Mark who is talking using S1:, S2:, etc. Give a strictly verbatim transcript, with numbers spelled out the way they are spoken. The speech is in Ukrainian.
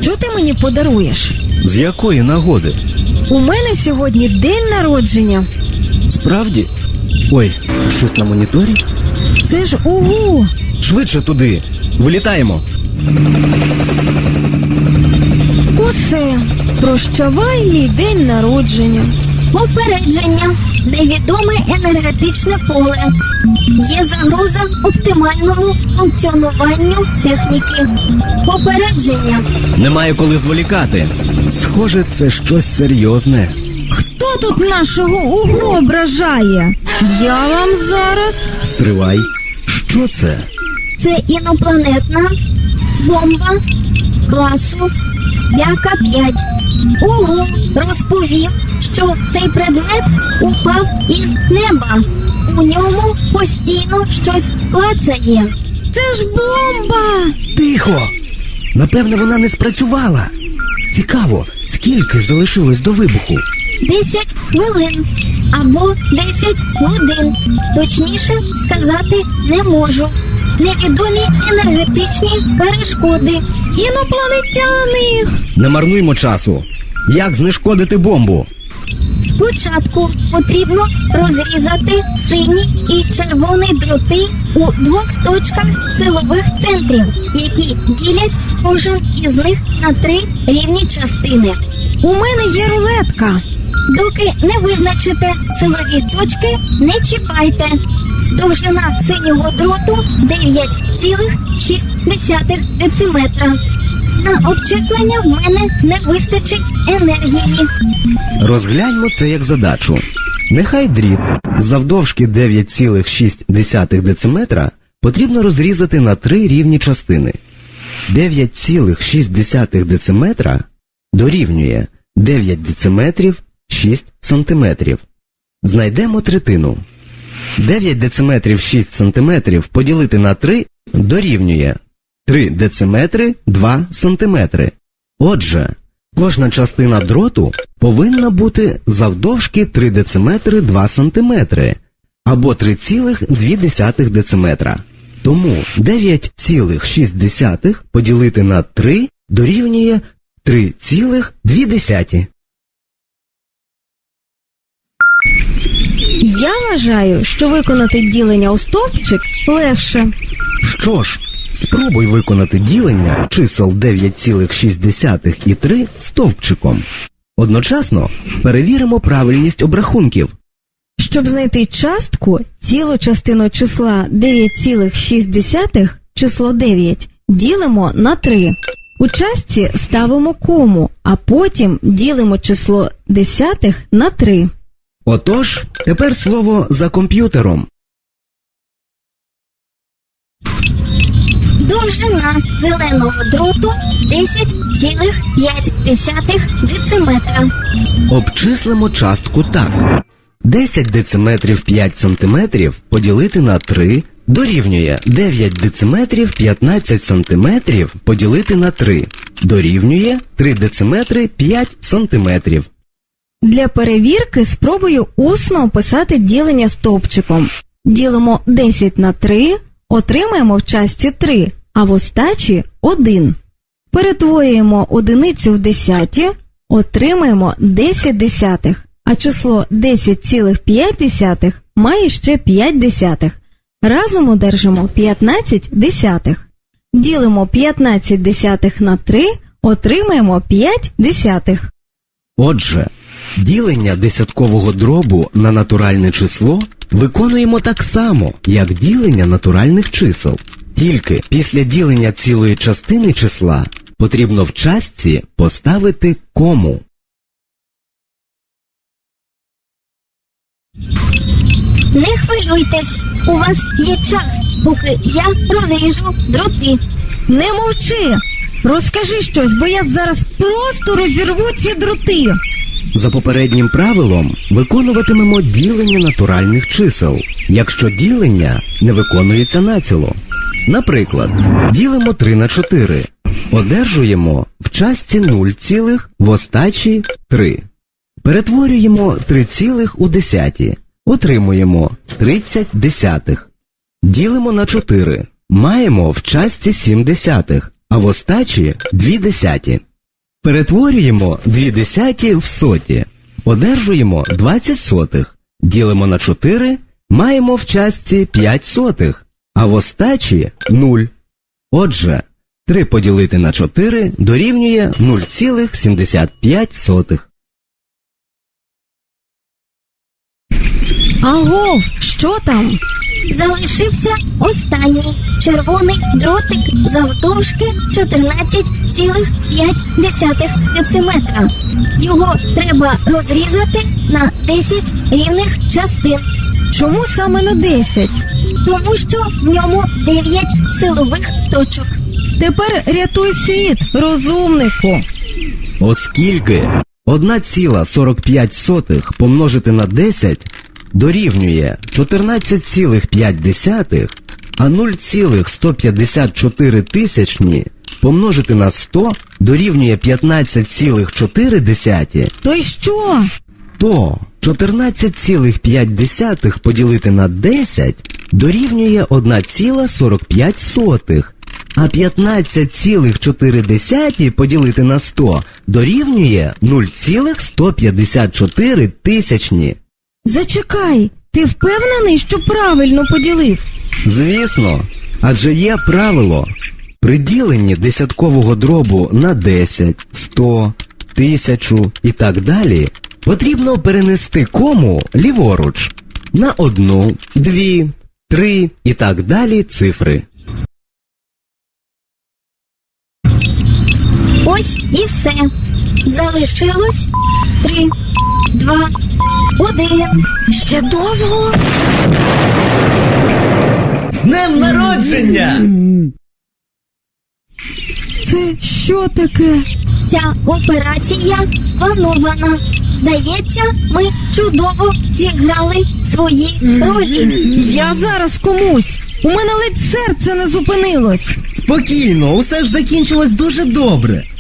S1: Що ти мені подаруєш?
S2: З якої нагоди?
S1: У мене сьогодні день народження.
S2: Справді? Ой, щось на моніторі?
S1: Це ж ого!
S2: Швидше туди! Вилітаємо!
S1: Усе. Прощавай мій день народження.
S3: Попередження. Невідоме енергетичне поле. Є загроза оптимальному функціонуванню техніки. Попередження.
S2: Немає коли зволікати. Схоже, це щось серйозне.
S1: Хто тут нашого угу ображає? Я вам зараз...
S2: Стривай. Що це?
S3: Це інопланетна бомба класу Вяка п'ять. Угу розповів, що цей предмет упав із неба. У ньому постійно щось клацає.
S1: Це ж бомба!
S2: Тихо! Напевне, вона не спрацювала. Цікаво, скільки залишилось до вибуху?
S3: Десять хвилин або десять годин. Точніше сказати не можу. Невідомі енергетичні перешкоди.
S1: Інопланетяни!
S2: Не марнуймо часу. Як знешкодити бомбу?
S3: Спочатку потрібно розрізати сині і червоні дроти у двох точках силових центрів, які ділять кожен із них на три рівні частини.
S1: У мене є рулетка.
S3: Доки не визначите силові точки, не чіпайте. Довжина синього дроту дев'ять цілих шість десятих дециметра. На обчислення в мене не вистачить енергії.
S2: Розгляньмо це як задачу. Нехай дріт завдовжки дев'ять цілих шість десятих дециметра потрібно розрізати на три рівні частини. дев'ять цілих шість десятих дециметра дорівнює дев'ять дециметрів шість сантиметрів. Знайдемо третину. дев'ять дециметрів шість сантиметрів поділити на три дорівнює три дециметри два сантиметри. Отже, кожна частина дроту повинна бути завдовжки три дециметри два сантиметри або три цілих дві десятих дециметра. Тому дев'ять цілих шість десятих поділити на три дорівнює три цілих дві десяті.
S1: Я вважаю, що виконати ділення у стовпчик легше.
S2: Що ж, спробуй виконати ділення чисел дев'ять цілих шість десятих і три стовпчиком. Одночасно перевіримо правильність обрахунків.
S1: Щоб знайти частку, цілу частину числа дев'ять цілих шість десятих, число дев'ять, ділимо на три. У частці ставимо кому, а потім ділимо число десятих на три.
S2: Отож, тепер слово за комп'ютером.
S3: Довжина зеленого дроту десять цілих п'ять десятих дециметра.
S2: Обчислимо частку так. десять дециметрів п'ять сантиметрів поділити на три дорівнює дев'ять дециметрів п'ятнадцять сантиметрів поділити на три. Дорівнює три дециметри п'ять сантиметрів.
S1: Для перевірки спробую усно описати ділення стовпчиком. Ділимо десять на три, отримаємо в частці три, а в остачі один. Перетворюємо одиницю в десяті, отримаємо десять десятих, а число десять цілих п'ять десятих має ще п'ять десятих. Разом одержимо п'ятнадцять десятих. Ділимо п'ятнадцять десятих на три, отримаємо п'ять десятих.
S2: Отже, ділення десяткового дробу на натуральне число виконуємо так само, як ділення натуральних чисел. Тільки після ділення цілої частини числа потрібно в частці поставити кому.
S3: Не хвилюйтесь, у вас є час, поки я розріжу дроти.
S1: Не мовчи! Розкажи щось, бо я зараз просто розірву ці дроти.
S2: За попереднім правилом виконуватимемо ділення натуральних чисел, якщо ділення не виконується націло. Наприклад, ділимо три на чотири. Одержуємо в частці нуль цілих, в остачі три. Перетворюємо три цілих у десяті. Отримуємо тридцять десятих. Ділимо на чотири. Маємо в частці сім десятих, а в остачі дві десяті. Перетворюємо дві десяті в соті. Одержуємо двадцять сотих. Ділимо на чотири, маємо в частці п'ять сотих, а в остачі нуль. Отже, три поділити на чотири дорівнює нуль цілих сімдесят п'ять сотих.
S1: Агов, що там?
S3: Залишився останній червоний дротик завдовжки чотирнадцять цілих п'ять десятих дециметра. Його треба розрізати на десять рівних частин,
S1: Чому саме на десять?
S3: тому що в ньому дев'ять силових точок.
S1: Тепер рятуй світ, розумнику.
S2: Оскільки одна ціла сорок п'ять сотих помножити на десять дорівнює чотирнадцять цілих п'ять десятих, а нуль цілих сто п'ятдесят чотири тисячні помножити на сто дорівнює п'ятнадцять цілих чотири десяті,
S1: То й що?
S2: то чотирнадцять цілих п'ять десятих поділити на десять дорівнює одна ціла сорок п'ять сотих, а п'ятнадцять цілих чотири десяті поділити на сто дорівнює нуль цілих сто п'ятдесят чотири тисячні.
S1: Зачекай, ти впевнений, що правильно поділив?
S2: Звісно, адже є правило. При діленні десяткового дробу на десять, сто, тисячу і так далі потрібно перенести кому ліворуч на одну, дві, три і так далі цифри.
S3: Ось і все. Залишилось три, два, один.
S1: Ще довго?
S2: З днем народження!
S1: Це що таке?
S3: Ця операція спланована. Здається, ми чудово зіграли свої ролі.
S1: Я зараз комусь. У мене ледь серце не зупинилось.
S2: Спокійно, усе ж закінчилось дуже добре.